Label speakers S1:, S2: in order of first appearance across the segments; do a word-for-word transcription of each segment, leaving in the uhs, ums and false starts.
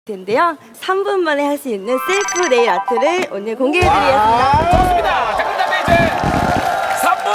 S1: 텐데요. 삼 분 만에 할 수 있는 셀프 네일 아트를 오늘 공개해드리겠습니다.
S2: 아, 좋습니다. 자, 그다음에 이제 삼 분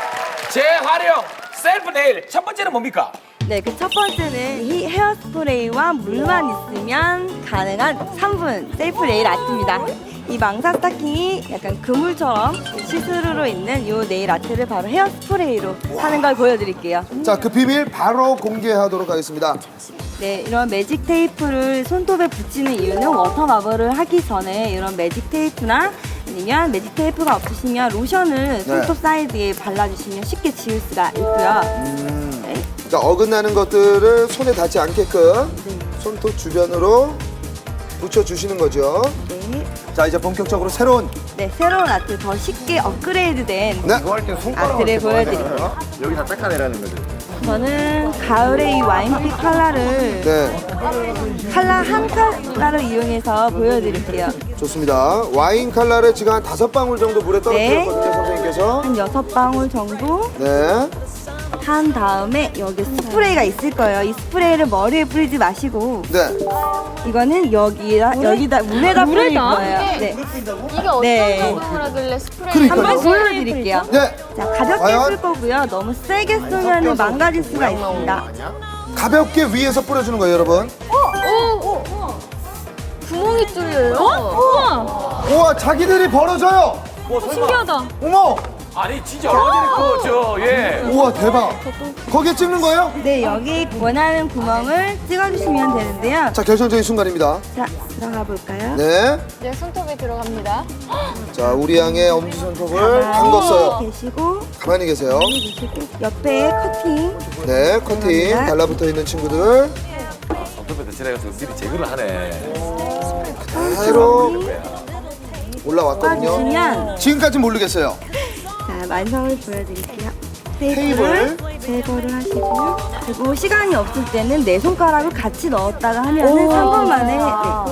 S2: 재활용 셀프 네일 첫 번째는 뭡니까?
S1: 네, 그 첫 번째는 이 헤어스프레이와 물만 있으면 가능한 삼 분 셀프 네일 아트입니다. 이 망사 스타킹이 약간 그물처럼 시스루로 있는 이 네일 아트를 바로 헤어스프레이로 하는 걸 보여드릴게요.
S3: 자, 그 비밀 바로 공개하도록 하겠습니다.
S1: 네, 이런 매직 테이프를 손톱에 붙이는 이유는 워터 마블을 하기 전에 이런 매직 테이프나 아니면 매직 테이프가 없으시면 로션을 손톱 사이드에 발라주시면 쉽게 지울 수가 있고요.
S3: 음. 네. 자, 어긋나는 것들을 손에 닿지 않게끔
S1: 네.
S3: 손톱 주변으로 붙여주시는 거죠.
S1: 네.
S3: 자, 이제 본격적으로 새로운
S1: 네, 새로운 아트 더 쉽게 업그레이드된
S3: 네.
S4: 이거 할 때 손가락으로
S1: 아트를
S4: 이렇게 뭐하냐.
S1: 보여드릴게요.
S4: 여기다 닦아내라는 거죠.
S1: 저는 가을의 이 와인빛 컬러를
S3: 네,
S1: 컬러 한 컬러를 이용해서 보여드릴게요.
S3: 좋습니다. 와인 컬러를 지금 한 다섯 방울 정도 물에 떨어뜨렸거든요, 선생님께서.
S1: 한 여섯 방울 정도
S3: 네.
S1: 한 다음에 여기 스프레이가 있을 거예요. 이 스프레이를 머리에 뿌리지 마시고
S3: 네.
S1: 이거는 여기다 여기다 물에다 뿌릴 거예요. 네.
S5: 이게 어떤
S1: 네.
S5: 작용을 하길래 스프레이
S3: 그러니까요.
S1: 한번 보여드릴게요.
S3: 네.
S1: 자, 가볍게
S3: 과연?
S1: 쓸 거고요. 너무 세게 쓰면 망가질 수가 있습니다.
S3: 가볍게 위에서 뿌려주는 거예요, 여러분.
S5: 오! 구멍이 뚫려요? 우와!
S3: 우와, 자기들이 벌어져요.
S5: 신기하다.
S3: 어머.
S2: 아니 진짜 얼마나 저 예.
S3: 우와, 대박. 거기에 찍는 거예요?
S1: 네, 여기 원하는 구멍을 찍어주시면 되는데요.
S3: 자, 결정적인 순간입니다.
S1: 자, 들어가 볼까요?
S3: 네.
S5: 네, 손톱에 들어갑니다.
S3: 자, 우리 양의 엄지손톱을
S1: 가만히
S3: 담궜어요.
S1: 계시고
S3: 가만히 계세요.
S1: 옆에 커팅.
S3: 네, 커팅 달라붙어 있는 친구들
S2: 손톱에다 지나가서 미리 제거를 하네.
S3: 그대로 올라왔거든요.
S1: 빠주시면
S3: 지금까지 모르겠어요.
S1: 자, 완성을 보여드릴게요.
S3: 테이프를
S1: 테이프를 제거를 하시고요. 그리고 시간이 없을 때는 내 손가락을 같이 넣었다가 하면은 삼 분 만에 네, 할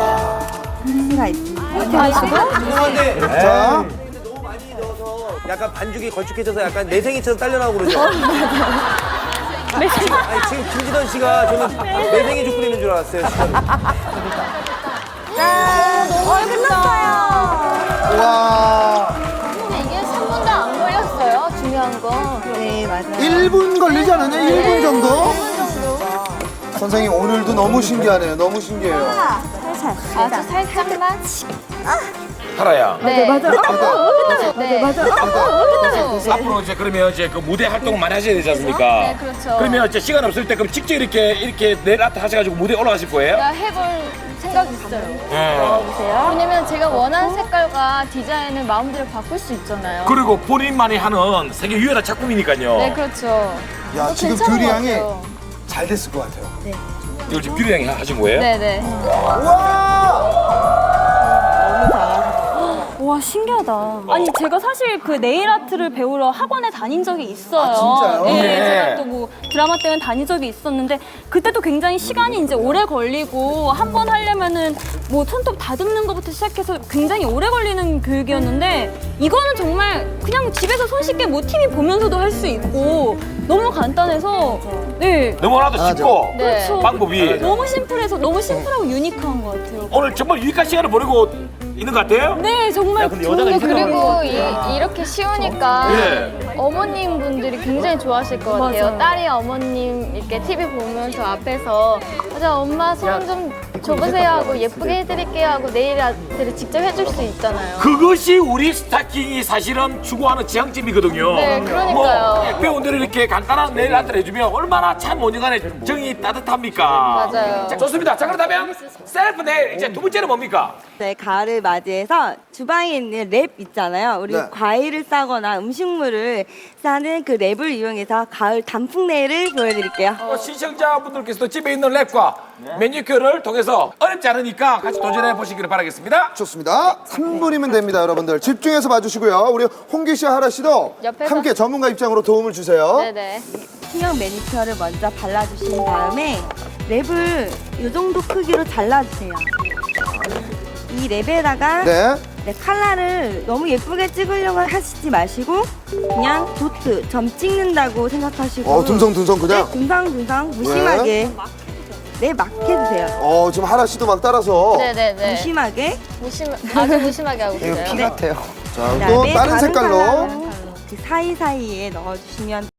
S1: 수가 있습니다.
S3: 자,
S6: 약간 반죽이 걸쭉해져서 약간 매생이처럼 딸려나오고 그러죠? 아니, 지금 김지던 씨가 저는 매생이 죽 끓이는 줄 알았어요. 지금.
S5: 어, 끝났어요.
S3: 와,
S5: 근데 이게 삼 분도 안 걸렸어요. 중요한 건.
S1: 네, 맞아요.
S3: 일 분 걸리지 않았나요? 일 분 정도? 선생님, 오늘도 너무 신기하네요. 너무 신기해요.
S1: 살살.
S5: 아주 살짝만.
S2: 하라야.
S5: 네.
S1: 맞아.
S5: 네.
S1: 맞아.
S2: 앞으로 이제 그러면 이제 그 무대 활동을 많이 하셔야 되지 않습니까?
S5: 네, 그렇죠.
S2: 그러면 이제 시간 없을 때 그럼 직접 이렇게 이렇게 네일 아트 하셔가지고 무대 에 올라가실 거예요?
S5: 나 해볼 생각이 있어요.
S2: 예.
S5: 왜냐면 제가 원하는 색깔과 디자인을 마음대로 바꿀 수 있잖아요.
S2: 그리고 본인만이 하는 세계 유일한 작품이니까요.
S5: 네, 그렇죠.
S3: 야,
S5: 어,
S3: 지금
S5: 괜찮은
S3: 듀리
S5: 것
S3: 양이
S5: 같아요.
S3: 잘 됐을 것 같아요.
S2: 이걸 지금 뷰리 양이 하신 거예요?
S5: 네네.
S7: 와 신기하다. 아니 제가 사실 그 네일 아트를 배우러 학원에 다닌 적이 있어요.
S3: 아, 진짜요?
S7: 네,
S2: 네.
S7: 제가 또 뭐 드라마 때문에 다닌 적이 있었는데 그때도 굉장히 시간이 이제 오래 걸리고 한 번 하려면은 뭐 손톱 다듬는 것부터 시작해서 굉장히 오래 걸리는 교육이었는데 이거는 정말 그냥 집에서 손쉽게 뭐 티비 보면서도 할 수 있고 너무 간단해서 네.
S2: 너무나도 쉽고
S5: 네.
S7: 그렇죠.
S2: 방법이
S7: 너무 심플해서 너무 심플하고 유니크한 것 같아요.
S2: 오늘 정말 유익한 시간을 보내고 있는 것 같아요?
S7: 네 정말
S5: 근데 그리고 이, 이렇게 쉬우니까
S2: 예.
S5: 어머님 분들이 굉장히 좋아하실 것 같아요.
S7: 맞아요.
S5: 딸이 어머님 이렇게 티비 보면서 앞에서 맞아 엄마 손 좀 줘보세요 하고 예쁘게 해드릴게요 하고 네일 아트를 직접 해줄 수 있잖아요.
S2: 그것이 우리 스타킹이 사실은 추구하는 지향점이거든요.
S5: 네, 그러니까요.
S2: 뭐 배우들이 이렇게 간단한 네일 아트를 해주면 얼마나 참 온영간에 정이 따뜻합니까?
S5: 맞아요.
S2: 자, 좋습니다. 자, 그렇다면 셀프 네일 이제 두 번째는 뭡니까?
S1: 네, 가을을 맞이해서 주방에 있는 랩 있잖아요. 우리
S3: 네.
S1: 과일을 싸거나 음식물을 싸는 그 랩을 이용해서 가을 단풍 네일을 보여드릴게요.
S2: 어, 시청자분들께서도 집에 있는 랩과 매니큐어를 통해서 어렵지 않으니까 같이 도전해 보시기를 바라겠습니다.
S3: 좋습니다. 삼 분이면 됩니다, 여러분들. 집중해서 봐주시고요. 우리 홍기 씨, 하라 씨도
S5: 옆에서.
S3: 함께 전문가 입장으로 도움을 주세요.
S5: 네네.
S1: 투명 매니큐어를 먼저 발라주신 다음에 랩을 이 정도 크기로 잘라주세요. 이 랩에다가
S3: 네.
S1: 네, 컬러를 너무 예쁘게 찍으려고 하시지 마시고 그냥 도트, 점 찍는다고 생각하시고
S3: 어, 듬성듬성 그냥.
S1: 네, 듬성듬성 무심하게 네, 막 해주세요.
S3: 어, 지금 하나 씨도 막 따라서.
S5: 네네네.
S1: 무심하게.
S5: 무심 아주 무심하게 하고
S3: 이거
S5: 있어요.
S3: 피 같아요. 자, 또
S1: 그다음에
S3: 다른 색깔로.
S1: 컬러는 그 사이사이에 넣어주시면